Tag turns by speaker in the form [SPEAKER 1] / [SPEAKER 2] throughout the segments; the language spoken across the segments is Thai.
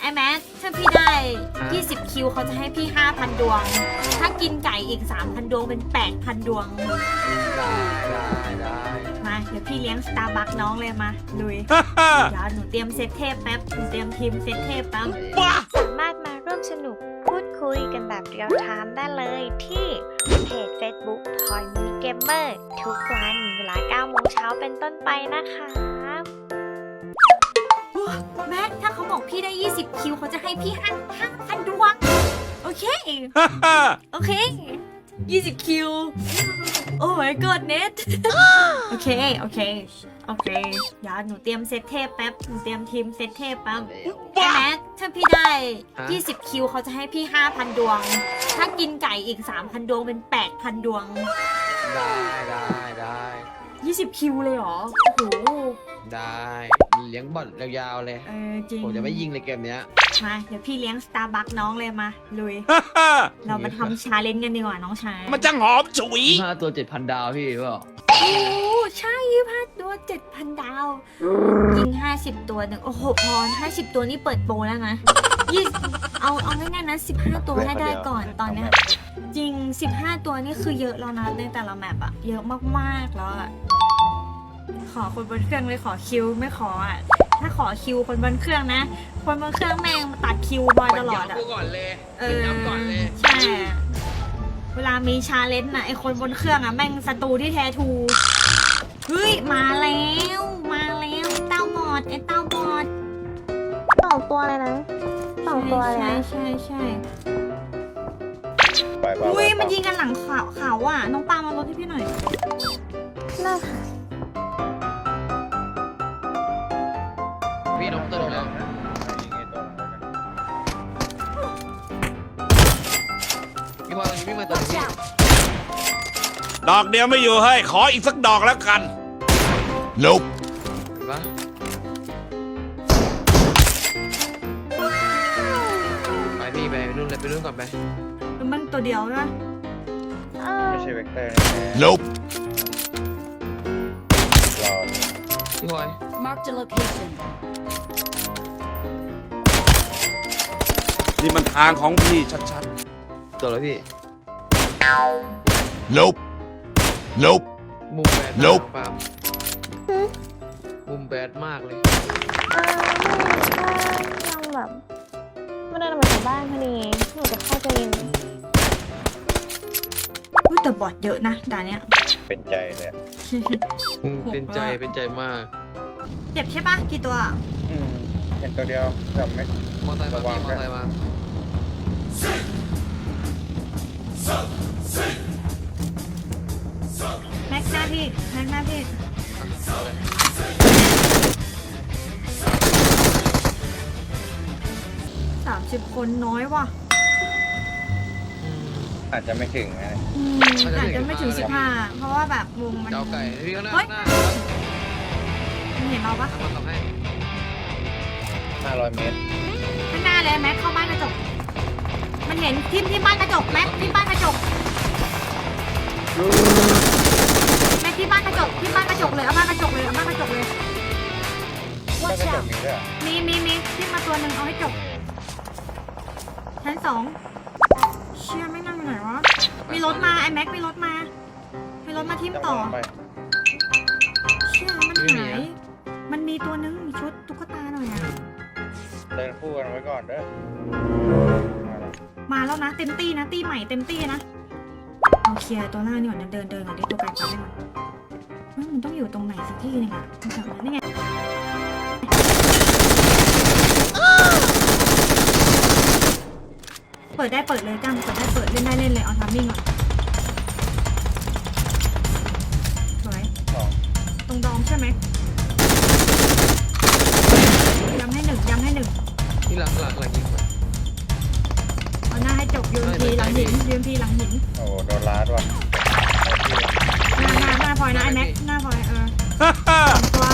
[SPEAKER 1] ไอ้แม็กถ้าพี่ได้20คิวเขาจะให้พี่ 5,000 ดวงถ้ากินไก่อีก 3,000 ดวงเป็น 8,000 ดวง
[SPEAKER 2] ได้
[SPEAKER 1] มาเดี๋ยวพี่เลี้ยงสตาร์บัคน้องเลยมาลุย เดี๋ยวหนูเตรียมเซตเทพแป๊บหนูเตรียมทีมเซตเทพแป๊บ
[SPEAKER 3] สามารถมาร่วมสนุกพูดคุยกันแบบเรียลไทม์ได้เลยที่เพจ Facebook Toy Mini Gamer ทุกวันเวลา 9 โมงเช้าเป็นต้นไปนะคะ
[SPEAKER 1] แม็กถ้าเขาบอกพี่ได้20คิวเขาจะให้พี่5,000 ดวงโอเค โอเค20คิวโอ้ my god เน็ตโอเคเดี๋ยวหนูเตรียมเซตเทพแป๊บหนูเตรียมทีมเซตเทพแป๊บไอ้แม็กถ้าพี่ได้20คิวเขาจะให้พี่ 5,000 ดวงถ้ากินไก่อีก 3,000 ดวงเป็น 8,000 ดวง
[SPEAKER 2] ได้
[SPEAKER 1] 20คิวเลยเหรอโอ้โห
[SPEAKER 2] ได้เลี้ยงบอลยาวๆเลย
[SPEAKER 1] จริง
[SPEAKER 2] ผมจะไม่ยิงเลยเกมเนี้ย
[SPEAKER 1] มาเดี๋ยวพี่เลี้ยงสตาร์บัคน้องเลยมาลุย เรามาทำชาเลนจ์กันดีกว่าน้องชาย
[SPEAKER 4] มันจะหอมฉุย
[SPEAKER 2] 5 ตัว 7,000 ดาวพี่เปล่า
[SPEAKER 1] โอ้ใช่25 ตัว 7,000 ดาวยิง50 ตัวหนึ่งโอ้โหพร50 ตัวนี่เปิดโปรแล้วนะเอาง่ายๆนะ15 ตัวให้ได้ก่อนตอนเนี้ยจริง15 ตัวนี่คือเยอะแล้วนะในแต่ละแมปอะเยอะมากๆแล้วอะขอคนบนเครื่องเลยขอคิวไม่ขออะถ้าขอคิวคนบนเครื่องนะคนบนเครื่องแม่งมาตัดคิวบอยตลอดอะ
[SPEAKER 2] ก่อนเลยก่อนเลย
[SPEAKER 1] ใช่เวลามีชาเลนจ์นะไอคนบนเครื่องอะแม่งศัตรูที่แท้ทูเฮ้ยมาแล้วเต้าบอดไอเต้าบอด
[SPEAKER 3] 2 ตัวเลยนะ2 ตัวเลยนะ
[SPEAKER 1] ใช่อุ้ยมันยิงกันหลังเขาอ่ะน้องปามาลดให้พี่หน่อย
[SPEAKER 3] น่าค่ะ
[SPEAKER 2] พี่น้องเติมแล้วพี่พอตรงนี้พี่มาเติมพี่
[SPEAKER 4] ดอกเดียวไม่อยู่ให้ขออีกสักดอกแล้วกันลุก
[SPEAKER 2] ปะไปพี่ไปนู่นเลยไปนู่นก่อนไป
[SPEAKER 1] มันตัวเดียวนะ
[SPEAKER 5] ไม่ใช่เวกเตอร์
[SPEAKER 4] ลุก
[SPEAKER 2] พี่พลอย
[SPEAKER 6] Mark the location
[SPEAKER 4] นี่มันทางของพี่ชัด
[SPEAKER 2] ๆตัวแล้วพี่
[SPEAKER 4] ลุก
[SPEAKER 2] มุมแบดลุกมุมแบดมากเลย
[SPEAKER 3] เราแบบไม่ได้มาจากบ้านพอดีหนูจะเข้าใจยิน
[SPEAKER 1] แต่บอดเยอะนะด่านเนี้ย
[SPEAKER 5] เป็นใจเลย
[SPEAKER 2] เป็นใจมาก
[SPEAKER 1] เจ็บใช่ปะกี่ตัว
[SPEAKER 5] เห็นตัวเดียวแต่ไม่
[SPEAKER 2] มอเตอร์ไซค์มา
[SPEAKER 1] แม็กหน้าพี่30 คนน้อยว่ะ
[SPEAKER 5] อาจจะไม่ถึงนะ
[SPEAKER 1] อาจจะไม่ถึง15เพราะว่าแบบวงมัน
[SPEAKER 2] เจ้าไก่พี่ก็หน้า
[SPEAKER 1] เห็นเราปะ
[SPEAKER 5] 500 เมตร
[SPEAKER 1] ข้างหน้าเลยแม็กเข้าบ้านกระจกมันเห็นที่บ้านกระจกแม็กที่บ้านกระจกแม็กที่บ้านกระจกเลยเอาบ้านกระจกเลย
[SPEAKER 5] บ้านกระจกมีด้วย
[SPEAKER 1] มีที่มาตัวหนึ่งเอาให้จบชั้น 2เชี่ยไม่นั่งไหนวะมีรถมาไอ้แม็กมีรถมาทิ่มต่อเชี่ยมันหายมันมีตัวนึงมีชุดตุ๊กตาหน่อยอะ
[SPEAKER 5] เดินคู่กันไว้ก่อนเด้อ
[SPEAKER 1] มาแล้วนะเต็มตี้นะตี้ใหม่เต็มตี้นะเอาเคลียร์ตัวหน้านี่ก่อนนะเดินก่อนดิตัวไกลก่อนได้ไหมมันต้องอยู่ตรงไหนสักที่นึงอะแถวนั้นนี่ไงเปิดได้เปิดเลยจ้างเปิดเล่นได้เล่นเลยเอาทามมิ่งก่อนสวยตรงดอมใช่ไหมย้ำให้หนึ่ง
[SPEAKER 2] ที่หลังยิง
[SPEAKER 1] เอาหน้าให้จบยูมพีหลังหิน
[SPEAKER 5] โอ้โดนลาดว่ะ
[SPEAKER 1] หน้าพลอยนะไอแม็กหน้าพลอยตัว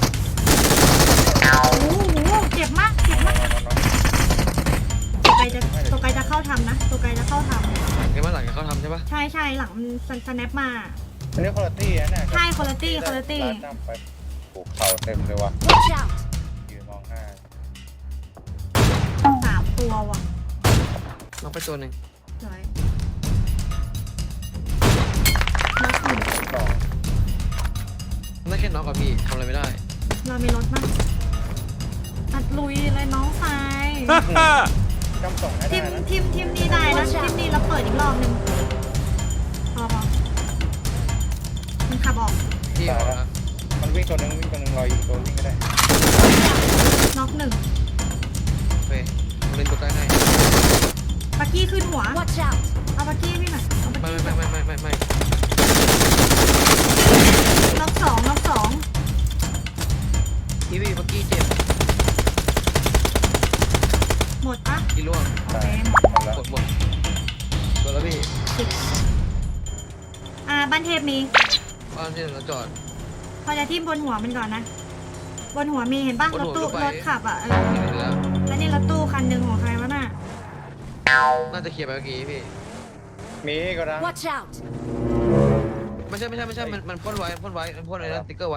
[SPEAKER 1] โอ้โหเจ็บมากตัวไกลจะเข้าทำนะตัวไกลจะเข้าทำ
[SPEAKER 2] เห็นว่าหลังเขาทำใช่ปะ
[SPEAKER 1] ใช่หลังมันสแนปมา
[SPEAKER 5] อันนี้คุณภาพนะเนี่ย
[SPEAKER 1] ใช่คุณภาพ
[SPEAKER 5] ไปปลูกเข่าเต็มเลยว่ะยืนมองหน้า
[SPEAKER 1] ตัวว่ะ
[SPEAKER 2] น้องไปตัวหนึ่ง
[SPEAKER 1] สวยล็อกหนึ่ง
[SPEAKER 5] สอง
[SPEAKER 2] ได้แค่น้องกับพี่ทำอะไรไม่ได้
[SPEAKER 1] เรามีรถมั้งอัดลุยเลยน้องชาย
[SPEAKER 5] จำส่งให้
[SPEAKER 1] ที
[SPEAKER 5] ได้
[SPEAKER 1] ม
[SPEAKER 5] นะ
[SPEAKER 1] ทีมนี้ได้นะทีมนี้เราเปิดอีกรอบหนึงพอมันขับออก
[SPEAKER 2] พี่บอกนะ
[SPEAKER 5] มันวิ่งตัวหนึงรออยู่ตัววิ่งก็ได้
[SPEAKER 1] น็อกหนึ่ง
[SPEAKER 2] โอเคผมเล่นตัวใกล้ให้
[SPEAKER 1] ปักกี้ขึ้นหัว
[SPEAKER 3] Watch out
[SPEAKER 1] เอาปักกี้พี่หน่อยเอาปัก
[SPEAKER 2] ไม่
[SPEAKER 1] กี้
[SPEAKER 2] ไม่
[SPEAKER 1] น็อกสอง
[SPEAKER 2] พี่เมื่อกี้เจ็บ
[SPEAKER 1] หมดปะ
[SPEAKER 2] พี่ล่วง
[SPEAKER 1] โอเค
[SPEAKER 5] หมดแล้ว
[SPEAKER 2] หมดตัวแล้วพี่
[SPEAKER 1] บ้านเทพมี
[SPEAKER 2] บ้านที่เราจอด
[SPEAKER 1] พอจะทิ่มบนหัวมันก่อนนะ บนหัวมีเห็นปะ
[SPEAKER 2] บน
[SPEAKER 1] รถ
[SPEAKER 2] หัว
[SPEAKER 1] ตู้
[SPEAKER 2] รถไฟ
[SPEAKER 1] รถขับอ่ะ
[SPEAKER 2] เห็นแล้ว
[SPEAKER 1] แล้วนี่รถตู้คันหนึ่งของใครวะน่ะ
[SPEAKER 2] น่าจะเคลียร์ไปเมื่อกี้พี่
[SPEAKER 5] มีก็ได้
[SPEAKER 3] Watch out
[SPEAKER 2] ไม่ใช่มันพ่นไว้มันพ่นอะไรนะสติ๊กเกอร์ไว้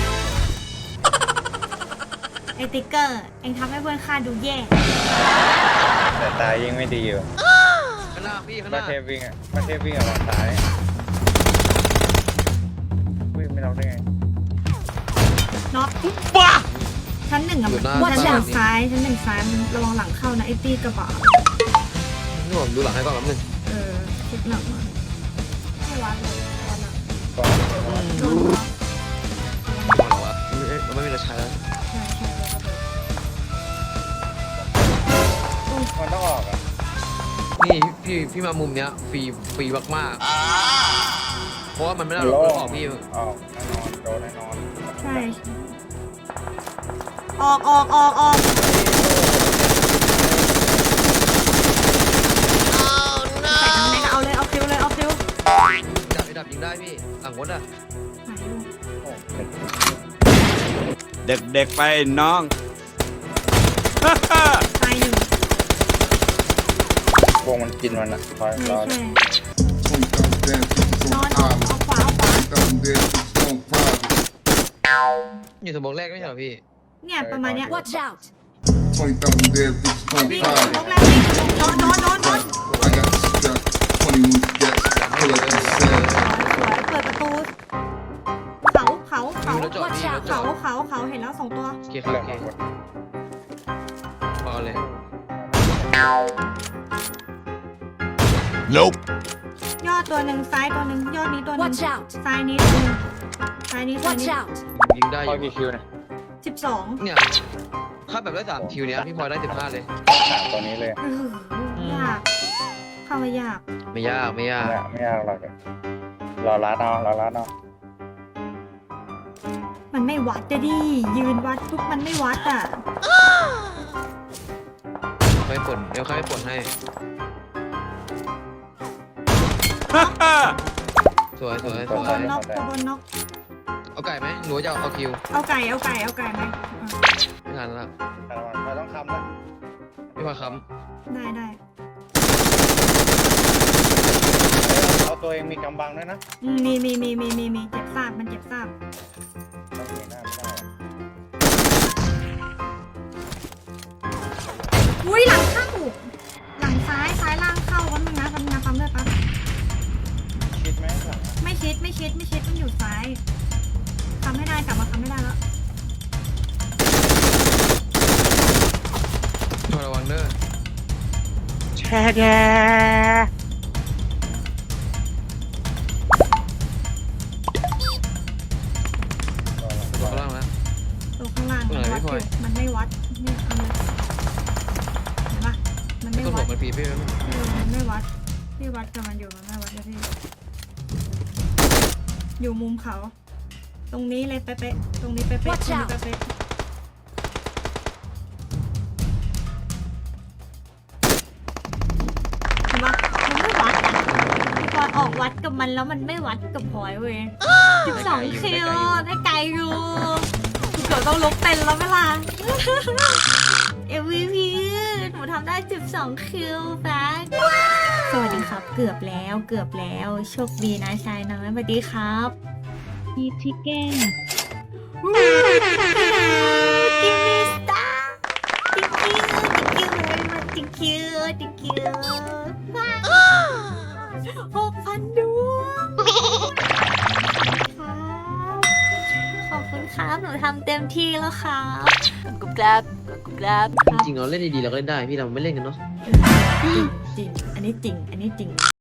[SPEAKER 1] ไอติ๊กเกอร์เองทำให้เพื่อนข้าดูแย่
[SPEAKER 5] แต่ตายยิงไม่ดีอยู่
[SPEAKER 2] ข้างหน้าพี่ข้างห
[SPEAKER 5] มา
[SPEAKER 2] น้า
[SPEAKER 5] เทพวิ่งอ่ะมาเทพวิ่งอ่ะวางซ้ายวิ่งไม่เราได้ไง
[SPEAKER 1] น็อก
[SPEAKER 4] บ้า
[SPEAKER 1] ชั้นหนึ่งอะ
[SPEAKER 2] อยู่หน้า
[SPEAKER 1] ชั้นหนึ่ง
[SPEAKER 2] บ้าน
[SPEAKER 1] ซ้ายชั้นหนึ่งซ้ายมันระวังหลังเข้านะไอตี้กระบะ
[SPEAKER 2] นี่ผมดูหลังให้ก่อนแป๊บนึง
[SPEAKER 1] เช็คหลังมาให้วัดเลยวัดละ
[SPEAKER 5] ก่อน
[SPEAKER 1] โดนน็อก
[SPEAKER 2] มองหรอวะมันไม่มีรถใช้แล้ว
[SPEAKER 1] ใช่ใช่แล้วก็โดน
[SPEAKER 5] มันต้องออกอ่ะ
[SPEAKER 2] นี่พี่มามุมเนี้ยฟรีมากๆเพราะว่ามันไม่ได้รถออกพี่
[SPEAKER 5] ออกแน่นอนโดนแน่นอน
[SPEAKER 1] ใช่ออกแต่ทำไงก็เอาเลยเอาคิวเลยเอาคิว
[SPEAKER 2] ดับยิงได้พี่หลังรถอ่ะ
[SPEAKER 1] หายลูก
[SPEAKER 5] โอ้
[SPEAKER 4] เด็กๆไปน้อง
[SPEAKER 1] ตายหนึ่ง
[SPEAKER 5] วงมันกินมันอ่ะคอย
[SPEAKER 1] ใช่
[SPEAKER 5] รอ
[SPEAKER 1] ใช่
[SPEAKER 6] 20,000 damn bitches
[SPEAKER 1] นอ
[SPEAKER 6] on
[SPEAKER 1] นเอา
[SPEAKER 6] island.
[SPEAKER 1] ขวาเอาขวา
[SPEAKER 6] 20,000 damn bitches on private.
[SPEAKER 2] อยู่สมองแรกไม่ใช่เหรอพี่
[SPEAKER 1] เนี่ยประมาณเนี้ย
[SPEAKER 3] Watch out
[SPEAKER 6] 20,000 damn bitches on
[SPEAKER 1] วิ่ง
[SPEAKER 6] private.
[SPEAKER 1] ลงแล้ววิ่งโดน
[SPEAKER 6] I got the strap, 21 gats, pull up the set.
[SPEAKER 1] สวยเปิดประตูเขา
[SPEAKER 2] มีรถจอดพี่รถจอด
[SPEAKER 1] เขาเห็นแล้ว2ตัว
[SPEAKER 2] โอเคครับ
[SPEAKER 5] เรื่อ
[SPEAKER 2] โอง เค
[SPEAKER 5] ของกฎ
[SPEAKER 2] พอเลย
[SPEAKER 4] Nope
[SPEAKER 1] ยอดตัวหนึ่งซ้ายตัวหนึ่งยอดนี้ตัวหนึ่ง
[SPEAKER 3] Watch out
[SPEAKER 1] ซ้ายนี้ตัวหนึ่งซ้ายนี้
[SPEAKER 3] Watch out
[SPEAKER 2] ยิงได้อ
[SPEAKER 5] พอยู่ กี่คิวนะ
[SPEAKER 1] 12
[SPEAKER 2] เนี่ยถ้าแบบได้3คิวเนี้ยพี่พลอยได้15เลย
[SPEAKER 5] สามตัวนี้เลย
[SPEAKER 1] ยากเข้ามายาก
[SPEAKER 2] ไม่ยาก
[SPEAKER 5] ไม่ยากหรอกรอร้านเอารอร้านเอา
[SPEAKER 1] มันไม่วัดจะดิยืนวัดปุ๊บมันไม่วัดอ่ะ
[SPEAKER 2] ไม่ผลเดี๋ยวใครไม่ผลให้สวย
[SPEAKER 1] ตัวบนน็อก
[SPEAKER 2] เอาไก่ไหมหรือว่าจะเอาคิว
[SPEAKER 1] เอาไก่ไหม
[SPEAKER 2] ไม่ทันละ
[SPEAKER 5] แต่มันต้องคำนะ
[SPEAKER 2] พี่พลอยค้
[SPEAKER 1] ได้
[SPEAKER 5] เอาตัวเองมีกำบังด้วยนะ
[SPEAKER 1] มีเจ็บซาบมันเจ็บซาบ
[SPEAKER 5] ต้องมีหน้าไม่ได้
[SPEAKER 1] อุ้ยหลังเข้าหลังซ้ายล่างเข้าวันนึงนะปั๊มด้วยปั๊บ
[SPEAKER 5] คิดไหมหลัง
[SPEAKER 1] ไม่ชิดมันอยู่ซ้ายทำให้ได้กลับมาทำไม่ได้แล้ว
[SPEAKER 2] ำพลอยระวังเด้อ ตัวข้างล่างนะ
[SPEAKER 1] ตัวข้างล่าง
[SPEAKER 2] ตรงไหนพี่พลอย
[SPEAKER 1] มันไม่วัดเนี่ยเอาเลยเห็นปะมันไม่
[SPEAKER 2] ต้นหั
[SPEAKER 1] วั
[SPEAKER 2] ว
[SPEAKER 1] ด
[SPEAKER 2] มันปีพี่
[SPEAKER 1] มันไม่วัดที่วัดกับมันอยู่มันไม่วัดเลยพี่อยู่มุมเขา ตรงนี้เลยเป๊ะๆตรงนี้เป๊ะๆตรง
[SPEAKER 3] Watch
[SPEAKER 1] นี้
[SPEAKER 3] out
[SPEAKER 1] เป๊ะๆเห็นปะมันไม่วัดอ่ะพี่พลอยออกวัดกับมันแล้วมันไม่วัดกับพลอยเว้ย12 คิวได้ไกลอยู่เดี๋ยวต้องลุกเต้นแล้วเวลา MVP หนูทำได้12 คิวแบ็คสวัสดีครับ เกือบแล้วโชคดีนะชายน้อยสวัสดีครับมีทิกเก้นกิมมี่สตาร์ thank you very much thank you ว้าว6,000 ดวงขอบคุณครับหนูทำเต็มที่แล้วครับกุ๊บกราบกุ๊บกราบ
[SPEAKER 2] จริงๆเราเล่นดีๆเราก็เล่นได้พี่เราไม่เล่นกันเนาะ
[SPEAKER 1] จริงอันนี้จริง